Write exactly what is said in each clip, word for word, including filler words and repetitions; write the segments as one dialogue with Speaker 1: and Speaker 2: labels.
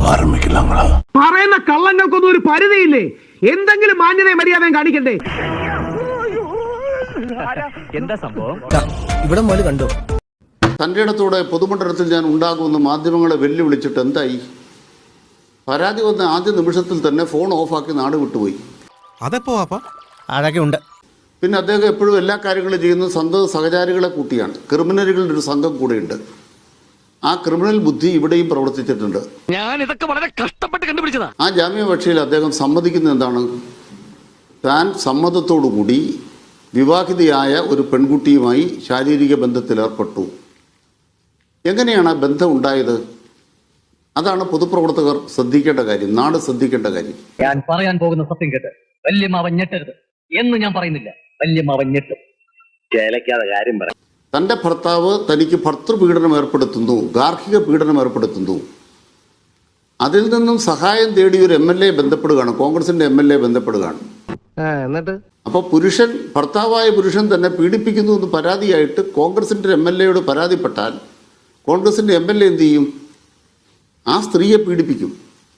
Speaker 1: ആരംഭിക്കില്ല.
Speaker 2: പറയുന്ന കള്ളങ്ങൾക്കൊന്നും ഒരു പരിധിയില്ലേ? എന്തെങ്കിലും മാന്യതയും മര്യാദയും കാണിക്കണ്ടേ?
Speaker 3: എന്താ സംഭവം
Speaker 4: ഇവിടെ മുതൽ കണ്ടോ?
Speaker 5: തൻ്റെ ഇടത്തോടെ പൊതുമണ്ഡലത്തിൽ ഞാൻ ഉണ്ടാകുമെന്ന് മാധ്യമങ്ങളെ വെല്ലുവിളിച്ചിട്ട് എന്തായി? പരാതി വന്ന ആദ്യ നിമിഷത്തിൽ തന്നെ ഫോൺ ഓഫാക്കി നാട് വിട്ടുപോയി.
Speaker 4: അതെപ്പോ അതൊക്കെ ഉണ്ട്.
Speaker 5: പിന്നെ അദ്ദേഹം എപ്പോഴും എല്ലാ കാര്യങ്ങളും ചെയ്യുന്നത് സ്വന്തം സഹചാരികളെ കൂട്ടിയാണ്. ക്രിമിനലുകളുടെ ഒരു സംഘം കൂടെയുണ്ട്. ആ ക്രിമിനൽ ബുദ്ധി ഇവിടെയും പ്രവർത്തിച്ചിട്ടുണ്ട്.
Speaker 3: ഞാൻ ഇതൊക്കെ വളരെ കഷ്ടപ്പെട്ട് കണ്ടുപിടിച്ചതാ.
Speaker 5: ആ ജാമ്യാപേക്ഷയിൽ അദ്ദേഹം സമ്മതിക്കുന്നത് എന്താണ്? താൻ സമ്മതത്തോടുകൂടി വിവാഹിതയായ ഒരു പെൺകുട്ടിയുമായി ശാരീരിക ബന്ധത്തിലേർപ്പെട്ടു. എങ്ങനെയാണ് ആ ബന്ധം ഉണ്ടായത്? അതാണ് പൊതുപ്രവർത്തകർ ശ്രദ്ധിക്കേണ്ട കാര്യം, നാട് ശ്രദ്ധിക്കേണ്ട കാര്യം.
Speaker 3: ഞാൻ പറയാൻ പോകുന്ന സത്യം കേട്ട് വല്യമാവൻ ഞെട്ടരുത് എന്ന് ഞാൻ പറയുന്നില്ല. വല്യമാവൻ ഞെട്ടും. ചേലക്കാതെ കാര്യം പറ.
Speaker 5: തൻ്റെ ഭർത്താവ് തനിക്ക് ഭർത്തൃപീഡനം ഏർപ്പെടുത്തുന്നു, ഗാർഹിക പീഡനം ഏർപ്പെടുത്തുന്നു. അതിൽ നിന്നും സഹായം തേടി ഒരു എം എൽ എ ബന്ധപ്പെടുകയാണ്, കോൺഗ്രസിന്റെ എം എൽ എ ബന്ധപ്പെടുകയാണ്.
Speaker 2: എന്നിട്ട്
Speaker 5: അപ്പോൾ പുരുഷൻ, ഭർത്താവായ പുരുഷൻ തന്നെ പീഡിപ്പിക്കുന്നു എന്ന് പരാതിയായിട്ട് കോൺഗ്രസിന്റെ എം എൽ എയോട് പരാതിപ്പെട്ടാൽ കോൺഗ്രസിന്റെ എം എൽ എ എന്ത് ചെയ്യും? ആ സ്ത്രീയെ പീഡിപ്പിക്കും.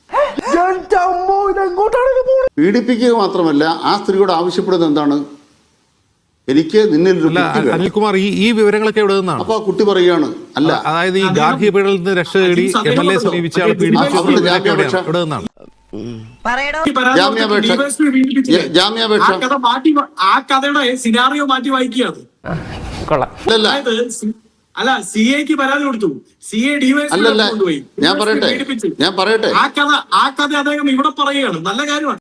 Speaker 5: പീഡിപ്പിക്കുക മാത്രമല്ല, ആ സ്ത്രീയോട് ആവശ്യപ്പെടുന്നത് എന്താണ്? എനിക്ക് നിന്നിൽ
Speaker 6: അനിൽകുമാർ, ഈ ഈ വിവരങ്ങളൊക്കെ എവിടെ നിന്നാണ്?
Speaker 5: അപ്പൊ ആ കുട്ടി പറയുകയാണ്, അല്ല,
Speaker 6: അതായത് ഈ ഗാർഹിക പീഡനത്തിൽ നിന്ന് രക്ഷ തേടി എം എൽ എ സമീപിച്ച ആൾ പീഡിപ്പിച്ചു എവിടെ നിന്നാണ്?
Speaker 5: ജാമ്യാപേക്ഷ ജാമ്യാപേക്ഷ
Speaker 7: ആ കഥയുടെ സിനാറിയോ മാറ്റി വായിക്കുകയാണ്. അല്ല, സി എക്ക് പരാതി കൊടുത്തു, സി എ ഡിവൈഎസ്പി കൊണ്ടുപോയി.
Speaker 5: ഞാൻ പറയട്ടെ ഞാൻ പറയട്ടെ
Speaker 7: ആ കഥ ആ കഥ അദ്ദേഹം ഇവിടെ പറയുകയാണ്. നല്ല കാര്യമാണ്.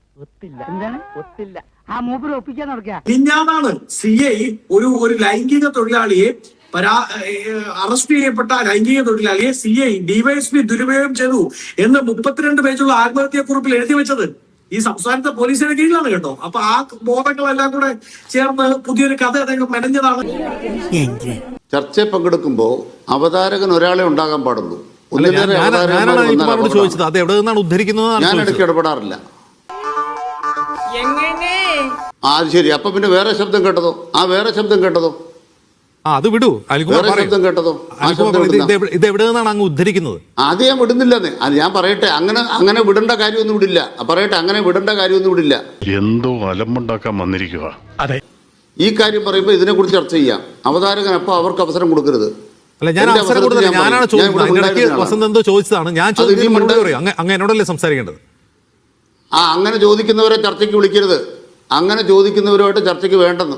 Speaker 7: മിഞ്ഞാന്നാണ് സി ഐ ഒരു ഒരു ലൈംഗിക തൊഴിലാളിയെ പരാ അറസ്റ്റ് ചെയ്യപ്പെട്ട ലൈംഗിക തൊഴിലാളിയെ സി ഐ ഡിവൈഎസ്പി ദുരുപയോഗം ചെയ്തു എന്ന് മുപ്പത്തിരണ്ട് പേജുള്ള ആത്മഹത്യാക്കുറിപ്പിൽ എഴുതി വെച്ചത് ഈ സംസ്ഥാനത്തെ പോലീസിന്റെ കീഴിലാണ് കേട്ടോ. അപ്പൊ ആ ബോധങ്ങളെല്ലാം കൂടെ ചേർന്ന് പുതിയൊരു കഥ അദ്ദേഹം മെനഞ്ഞതാണ്.
Speaker 5: ചർച്ചയിൽ പങ്കെടുക്കുമ്പോൾ അവതാരകൻ ഒരാളെ ഉണ്ടാകാൻ പാടുള്ളൂ. ഞാൻ ഇടയ്ക്ക് ഇടപെടാറില്ല. ആ ശരി, അപ്പൊ പിന്നെ വേറെ ശബ്ദം കേട്ടതോ? ആ വേറെ ശബ്ദം കേട്ടതോ?
Speaker 6: അത് വിടൂ.
Speaker 5: വേറെ ശബ്ദം കേട്ടതോ?
Speaker 6: ഇത് എവിടെ നിന്നാണ് അങ്ങ് ഉദ്ധരിക്കുന്നത്?
Speaker 5: അത് ഞാൻ വിടുന്നില്ലെന്നേ. അത് ഞാൻ പറയട്ടെ, അങ്ങനെ അങ്ങനെ വിടേണ്ട കാര്യമൊന്നും വിടില്ല. പറയട്ടെ, അങ്ങനെ വിടേണ്ട കാര്യമൊന്നും വിടില്ല.
Speaker 1: എന്തോ അലമ്പുണ്ടാക്കാൻ വന്നിരിക്കുക.
Speaker 6: അതെ,
Speaker 5: ഈ കാര്യം പറയുമ്പോൾ ഇതിനെ കുറിച്ച് ചർച്ച ചെയ്യാം. അവതാരകൻ അപ്പൊ അവർക്ക് അവസരം കൊടുക്കരുത്.
Speaker 6: അല്ല, ഞാൻ അവസരം കൊടുത്തില്ല. ഞാനാണ് ചോദിച്ചത്. വസന്ത് എന്തോ ചോദിച്ചതാണ്. ഞാൻ അങ്ങ് എന്നോടല്ലേ സംസാരിക്കേണ്ടത്?
Speaker 5: ആ അങ്ങനെ ചോദിക്കുന്നവരെ ചർച്ചയ്ക്ക് വിളിക്കരുത്. അങ്ങനെ ചോദിക്കുന്നവരുമായിട്ട് ചർച്ചയ്ക്ക് വേണ്ടെന്ന്.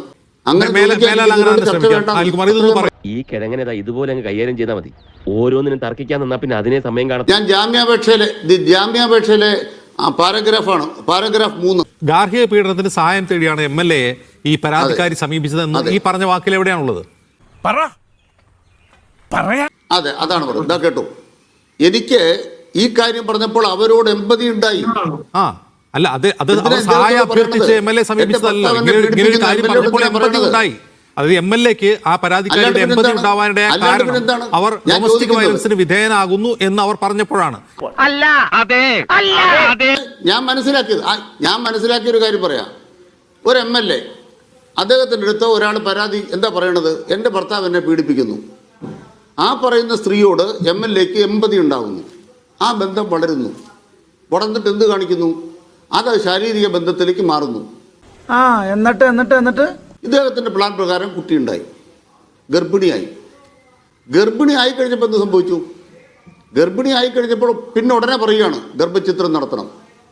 Speaker 8: ഈ കിഴങ്ങനെ ഇതുപോലെ അങ്ങ് കൈകാര്യം ചെയ്താൽ മതി. ഓരോന്നിനും തർക്കിക്കാൻ നിന്നാ പിന്നെ അതിനെ സമയം കാണാം.
Speaker 5: ഞാൻ ജാമ്യാപേക്ഷയിലെ ജാമ്യാപേക്ഷയിലെ പാരഗ്രാഫാണ്, പാരഗ്രാഫ് മൂന്ന്.
Speaker 6: ഗാർഹിക പീഡനത്തിന് സഹായം തേടിയാണ് എം എൽ എ ഈ പരാതിക്കാരി സമീപിച്ചതെന്ന് ഈ പറഞ്ഞ വാക്കിൽ എവിടെയാണുള്ളത്?
Speaker 5: അതെ, അതാണ് പറഞ്ഞത്. ഇതാ കേട്ടോ, എനിക്ക് ഈ കാര്യം പറഞ്ഞപ്പോൾ അവരോട് എമ്പതി ഉണ്ടായി.
Speaker 6: ആ അല്ല, അത് അത് സഹായം അഭ്യർത്ഥിച്ച് എം എൽ എ സമീപിച്ചതല്ല. ഇങ്ങനെ ഒരു കാര്യം പറഞ്ഞപ്പോൾ എമ്പതി ഉണ്ടായി. അത് എം എൽ എക്ക് ആ പരാതിക്കാരുടെ എമ്പതി ഉണ്ടാവാനിടയായ കാരണം അവർ ഡൊമസ്റ്റിക് വയലൻസിന് വിധേയനാകുന്നു എന്ന് അവർ പറഞ്ഞപ്പോഴാണ്.
Speaker 5: ഞാൻ മനസ്സിലാക്കിയത് ഞാൻ മനസ്സിലാക്കിയ ഒരു കാര്യം പറയാം. ഒരു എം എൽ എ അദ്ദേഹത്തിൻ്റെ അടുത്ത് ഒരാൾ പരാതി എന്താ പറയണത്? എൻ്റെ ഭർത്താവ് എന്നെ പീഡിപ്പിക്കുന്നു. ആ പറയുന്ന സ്ത്രീയോട് എം എൽ എക്ക് എമ്പതി ഉണ്ടാകുന്നു. ആ ബന്ധം വളരുന്നു. വളർന്നിട്ട് എന്ത് കാണിക്കുന്നു? അത് ശാരീരിക ബന്ധത്തിലേക്ക് മാറുന്നു.
Speaker 4: ആ എന്നിട്ട് എന്നിട്ട് എന്നിട്ട്
Speaker 5: ഇദ്ദേഹത്തിൻ്റെ പ്ലാൻ പ്രകാരം കുട്ടിയുണ്ടായി, ഗർഭിണിയായി. ഗർഭിണി ആയി കഴിഞ്ഞപ്പോൾ എന്ത് സംഭവിച്ചു? ഗർഭിണി ആയി കഴിഞ്ഞപ്പോൾ പിന്നെ ഉടനെ പറയുകയാണ് ഗർഭചിത്രം നടത്തണം.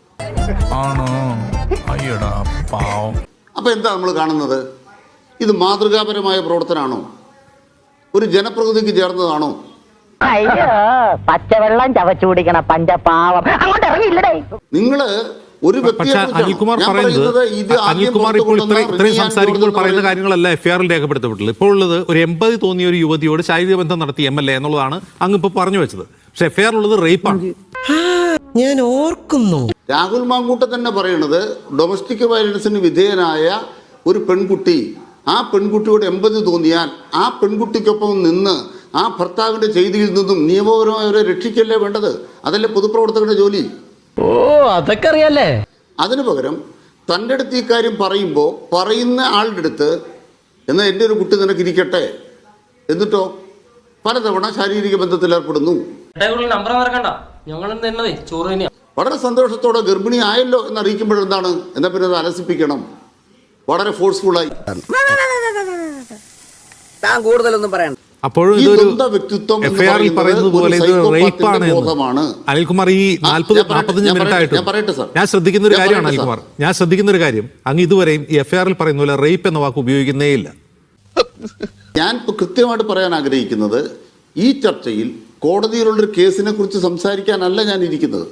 Speaker 5: അപ്പൊ എന്താ നമ്മൾ കാണുന്നത്? ഇത് മാതൃകാപരമായ പ്രവർത്തനമാണോ? ഒരു ജനപ്രതിനിധിക്ക് ചേർന്നതാണോ?
Speaker 9: പച്ചവെള്ളം ചവച്ചു കുടിക്കണ പഞ്ചപാവം അങ്ങോട്ട് ഇറങ്ങിയില്ലടേ.
Speaker 5: നിങ്ങള് ഒരു
Speaker 6: അനിൽകുമാർ പറയുന്നത്, അനിൽകുമാർ ഇപ്പോൾ ഇത്രയും സംസാരിക്കുമ്പോൾ പറയുന്ന കാര്യങ്ങളല്ല എഫ് ഐ ആറിൽ രേഖപ്പെടുത്തപ്പെട്ടുള്ളത്. ഇപ്പോൾ ഉള്ളത് ഒരു എൺപത് തോന്നിയ ഒരു യുവതിയോട് ശാരീരിക ബന്ധം നടത്തി എം എൽ എ എന്നുള്ളതാണ് അങ്ങ് ഇപ്പൊ പറഞ്ഞു വെച്ചത്. പക്ഷെ എഫ് ഐ ആർ ഉള്ളത് റേപ്പാണ്.
Speaker 4: ഞാൻ ഓർക്കുന്നു.
Speaker 5: രാഹുൽ മാങ്കൂട്ട തന്നെ പറയുന്നത് ഡൊമസ്റ്റിക് വയലൻസിന് വിധേയനായ ഒരു പെൺകുട്ടി, ആ പെൺകുട്ടിയോട് എൺപത് തോന്നിയാൽ ആ പെൺകുട്ടിക്കൊപ്പം നിന്ന് ആ ഭർത്താവിന്റെ ചെയ്തിയിൽ നിന്നും നിയമപരമായി അവരെ രക്ഷിക്കല്ലേ വേണ്ടത്? അതല്ലേ പൊതുപ്രവർത്തകരുടെ ജോലി?
Speaker 3: ഓ, അതൊക്കെ അറിയാലേ.
Speaker 5: അതിനു പകരം തൻ്റെ അടുത്ത് ഈ കാര്യം പറയുമ്പോൾ പറയുന്ന ആളുടെ അടുത്ത് എന്നാൽ എൻ്റെ ഒരു കുട്ടി നിനക്ക് ഇരിക്കട്ടെ, എന്നിട്ടോ പലതവണ ശാരീരിക ബന്ധത്തിൽ ഏർപ്പെടുന്നു.
Speaker 3: നമ്പർ മറക്കണ്ട, ഞങ്ങൾ തന്നതേ ചോറ് തന്നെയാ.
Speaker 5: വളരെ സന്തോഷത്തോടെ ഗർഭിണി ആയല്ലോ എന്ന് അറിയിക്കുമ്പോഴെന്താണ്, എന്നാ പിന്നെ അത് അലസിപ്പിക്കണം വളരെ ഫോഴ്സ്ഫുള്ളായി.
Speaker 4: താൻ കൂടുതലൊന്നും പറയണ്ട.
Speaker 6: അപ്പോഴും ഇതൊരു എഫ് ഐ ആറിൽ പറയുന്നത് പോലെ ഇത് റേപ്പാണ് എന്ന് അനിൽകുമാർ ഈ നാൽപ്പത് നാൽപ്പത്തഞ്ച് മിനിറ്റ് ആയിട്ട് ഞാൻ ശ്രദ്ധിക്കുന്ന ഒരു കാര്യമാണ് അനിൽകുമാർ, ഞാൻ ശ്രദ്ധിക്കുന്ന ഒരു കാര്യം, അങ്ങ് ഇതുവരെയും ഈ എഫ് ഐ ആറിൽ പറയുന്ന പോലെ റേപ്പ് എന്ന വാക്ക് ഉപയോഗിക്കുന്നേ ഇല്ല.
Speaker 5: ഞാൻ കൃത്യമായിട്ട് പറയാൻ ആഗ്രഹിക്കുന്നത്, ഈ ചർച്ചയിൽ കോടതിയിലുള്ളൊരു കേസിനെ കുറിച്ച് സംസാരിക്കാനല്ല ഞാൻ ഇരിക്കുന്നത്.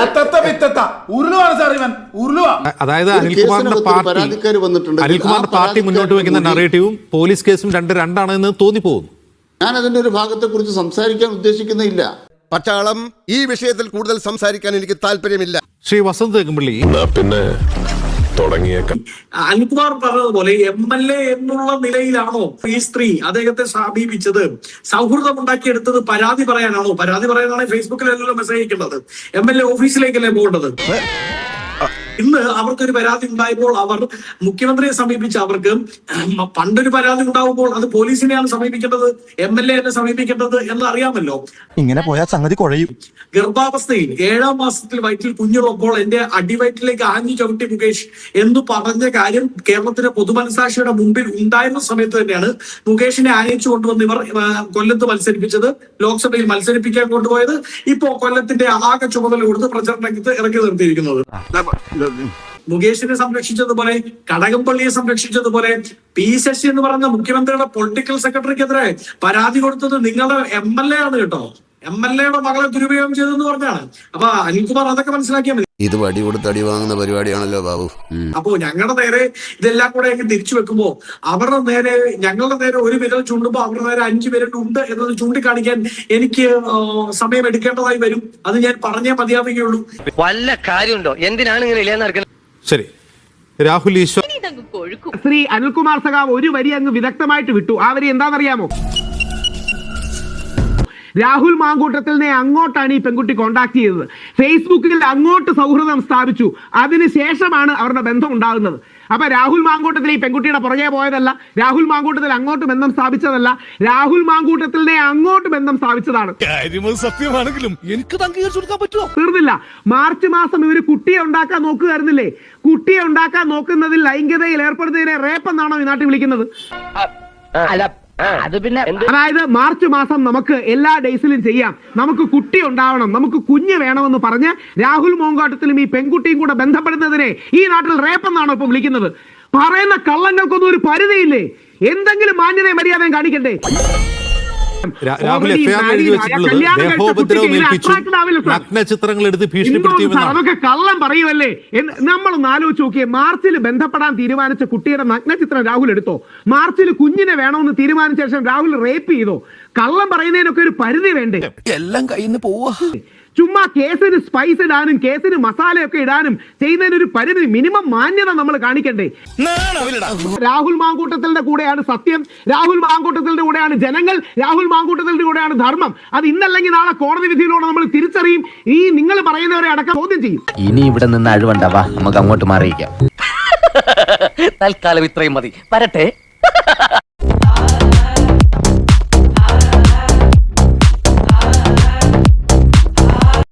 Speaker 6: അതായത് അനിൽകുമാറിന്റെ പാർട്ടി അനിൽകുമാറിന്റെ പാർട്ടി മുന്നോട്ട് വെക്കുന്ന നറേറ്റീവും പോലീസ് കേസും രണ്ട് രണ്ടാണ് എന്ന് തോന്നിപ്പോകുന്നു.
Speaker 5: ഞാൻ അതിന്റെ ഒരു ഭാഗത്തെ കുറിച്ച് സംസാരിക്കാൻ ഉദ്ദേശിക്കുന്നില്ല.
Speaker 10: പട്ടാളം, ഈ വിഷയത്തിൽ കൂടുതൽ സംസാരിക്കാൻ എനിക്ക് താല്പര്യമില്ല.
Speaker 6: ശ്രീ വസന്ത് തെക്കുംപള്ളി,
Speaker 1: പിന്നെ തുടങ്ങിയേക്കാം.
Speaker 7: അനിൽകുമാർ പറഞ്ഞതുപോലെ എം എൽ എ എന്നുള്ള നിലയിലാണോ ഈ സ്ത്രീ അദ്ദേഹത്തെ സമീപിച്ചത്? സൗഹൃദം ഉണ്ടാക്കിയെടുത്തത് പരാതി പറയാനാണോ? പരാതി പറയാനാണെങ്കിൽ ഫേസ്ബുക്കിലല്ലോ മെസ്സേജ് അയക്കേണ്ടത്, എം എൽ എ ഓഫീസിലേക്കല്ലേ പോകേണ്ടത്? ഇന്ന് അവർക്കൊരു പരാതി ഉണ്ടായപ്പോൾ അവർ മുഖ്യമന്ത്രിയെ സമീപിച്ച് അവർക്ക് പണ്ടൊരു പരാതി ഉണ്ടാവുമ്പോൾ അത് പോലീസിനെയാണ് സമീപിക്കേണ്ടത്, എം എൽ എനെ സമീപിക്കേണ്ടത് എന്ന് അറിയാമല്ലോ.
Speaker 10: ഇങ്ങനെ പോയാൽ സംഗതി കുഴയും.
Speaker 7: ഗർഭാവസ്ഥയിൽ ഏഴാം മാസത്തിൽ വയറ്റിൽ കുഞ്ഞുള്ളപ്പോൾ എന്റെ അടിവയറ്റിലേക്ക് ആഞ്ഞു ചവിട്ടി മുകേഷ് എന്ന് പറഞ്ഞ കാര്യം കേരളത്തിന്റെ പൊതുമനസാക്ഷിയുടെ മുമ്പിൽ ഉണ്ടായിരുന്ന സമയത്ത് തന്നെയാണ് മുകേഷിനെ ആനയിച്ചു കൊണ്ടുവന്ന് ഇവർ കൊല്ലത്ത് മത്സരിപ്പിച്ചത്, ലോക്സഭയിൽ മത്സരിപ്പിക്കാൻ കൊണ്ടുപോയത്, ഇപ്പോ കൊല്ലത്തിന്റെ ആകെ ചുമതല കൊടുത്ത് പ്രചരണത്തിൽ ഇറക്കി നിർത്തിയിരിക്കുന്നത്. മുകേഷിനെ സംരക്ഷിച്ചതുപോലെ കടകംപള്ളിയെ സംരക്ഷിച്ചതുപോലെ പി ശശി എന്ന് പറയുന്ന മുഖ്യമന്ത്രിയുടെ പൊളിറ്റിക്കൽ സെക്രട്ടറിക്കെതിരെ പരാതി കൊടുത്തത് നിങ്ങളുടെ എം എൽ എ ആണ് കേട്ടോ. എം എൽ എയുടെ മകളെ ദുരുപയോഗം ചെയ്തെന്ന് പറഞ്ഞാണ്. അപ്പൊ അനിൽകുമാർ അതൊക്കെ മനസ്സിലാക്കിയാൽ മതി.
Speaker 10: ഇത് വടി കൊടുത്ത് അടി വാങ്ങുന്ന പരിപാടിയാണല്ലോ ബാബു.
Speaker 7: അപ്പോ ഞങ്ങളുടെ നേരെ ഇതെല്ലാം കൂടെ തിരിച്ചു വെക്കുമ്പോ അവരുടെ നേരെ ഞങ്ങളുടെ നേരെ ഒരു വിരൽ ചൂണ്ടുമ്പോ അവരുടെ നേരെ അഞ്ചു വിരൽ ഉണ്ട് എന്നത് ചൂണ്ടിക്കാണിക്കാൻ എനിക്ക് സമയം എടുക്കേണ്ടതായി വരും. അത് ഞാൻ പറഞ്ഞേ മതിയാവുകയുള്ളൂ.
Speaker 3: വല്ല കാര്യമുണ്ടോ? എന്തിനാണ് ഇങ്ങനെ ഇല്ലാന്ന് നടക്കുന്നത്?
Speaker 6: ശരി, രാഹുൽ ഈശ്വർ.
Speaker 2: ശ്രീ അനിൽകുമാർ സഖാവ് ഒരു വരി അങ്ങ് വിദഗ്ധമായിട്ട് വിട്ടു. ആ വരി എന്താണെന്നറിയാമോ? രാഹുൽ മാങ്കൂട്ടത്തിനെ അങ്ങോട്ടാണ് ഈ പെൺകുട്ടി കോണ്ടാക്ട് ചെയ്തത്. ഫേസ്ബുക്കിൽ അങ്ങോട്ട് സൗഹൃദം സ്ഥാപിച്ചു. അതിനുശേഷമാണ് അവരുടെ ബന്ധം ഉണ്ടാകുന്നത്. അപ്പൊ രാഹുൽ മാങ്കൂട്ടത്തിൽ ഈ പെൺകുട്ടിയുടെ പുറകെ പോയതല്ല, രാഹുൽ മാങ്കൂട്ടത്തിൽ അങ്ങോട്ട് ബന്ധം സ്ഥാപിച്ചതല്ല, രാഹുൽ മാങ്കൂട്ടത്തിനെ അങ്ങോട്ട് ബന്ധം സ്ഥാപിച്ചതാണ്.
Speaker 10: സത്യമാണെങ്കിലും എനിക്ക് അംഗീകരിച്ചു കൊടുക്കാൻ പറ്റുമോ?
Speaker 2: തീർന്നില്ല. മാർച്ച് മാസം ഇവര് കുട്ടിയെ ഉണ്ടാക്കാൻ നോക്കുകയായിരുന്നില്ലേ? കുട്ടിയെ ഉണ്ടാക്കാൻ നോക്കുന്നതിൽ ലൈംഗികതയിൽ ഏർപ്പെടുന്നതിനെ റേപ്പ് എന്നാണോ ഈ നാട്ടിൽ വിളിക്കുന്നത്?
Speaker 9: അത് പിന്നെ
Speaker 2: അതായത് മാർച്ച് മാസം നമുക്ക് എല്ലാ ഡേയ്സിലും ചെയ്യാം, നമുക്ക് കുട്ടി ഉണ്ടാവണം, നമുക്ക് കുഞ്ഞ് വേണമെന്ന് പറഞ്ഞ് രാഹുൽ മോങ്കാട്ടത്തിലും ഈ പെൺകുട്ടിയും കൂടെ ബന്ധപ്പെടുന്നതിനെ ഈ നാട്ടിൽ റേപ്പ് എന്നാണോ ഇപ്പൊ വിളിക്കുന്നത്? പറയുന്ന കള്ളങ്ങൾക്കൊന്നും ഒരു പരിധിയില്ലേ? എന്തെങ്കിലും മാന്യതയും മര്യാദയും കാണിക്കണ്ടേ?
Speaker 6: രാഹുൽ എഫ് ഐ ആർ എഴുതി വെച്ചിട്ടുള്ളത് ദേഹോപദ്രവം ഏൽപ്പിച്ചു, നഗ്ന ചിത്രങ്ങൾ എടുത്ത് ഭീഷണിപ്പെടുത്തിയെന്നാണ്.
Speaker 2: അതൊക്കെ കള്ളം പറയുമല്ലേ? നമ്മളൊന്ന് ആലോചിച്ച് നോക്കിയേ. മാർച്ചിൽ ബന്ധപ്പെടാൻ തീരുമാനിച്ച കുട്ടിയുടെ നഗ്ന ചിത്രം രാഹുൽ എടുത്തോ? മാർച്ചിൽ കുഞ്ഞിനെ വേണമെന്ന് തീരുമാനിച്ച ശേഷം രാഹുൽ റേപ്പ് ചെയ്തോ? കള്ളം പറയുന്നതിനൊക്കെ ഒരു പരിധി വേണ്ടേ?
Speaker 10: എല്ലാം കയ്യിൽ നിന്ന് പോവാ.
Speaker 2: ചുമ്മാ കേസിന് സ്പൈസ് ഇടാനും കേസിന് മസാലയൊക്കെ ഇടാനും ചെയ്യുന്നതിനൊരു പരിധി, മിനിമം മാന്യത നമ്മൾ കാണിക്കണ്ടേ? രാഹുൽ മാങ്കൂട്ടത്തിന്റെ കൂടെയാണ് സത്യം, രാഹുൽ മാങ്കൂട്ടത്തിന്റെ കൂടെയാണ് ജനങ്ങൾ, രാഹുൽ മാങ്കൂട്ടത്തിന്റെ കൂടെയാണ് ധർമ്മം. അത് ഇന്നല്ലെങ്കിൽ നാളെ കോടതി വിധിയിലൂടെ നമ്മൾ തിരിച്ചറിയും. ഈ നിങ്ങൾ പറയുന്നവരെ അടക്കം ചോദ്യം ചെയ്യും.
Speaker 9: ഇനി ഇവിടെ നിന്ന് അഴിവണ്ടാവാ, നമുക്ക് അങ്ങോട്ട് മാറിയിക്കാം.
Speaker 3: തൽക്കാലം ഇത്രയും മതി. വരട്ടെ.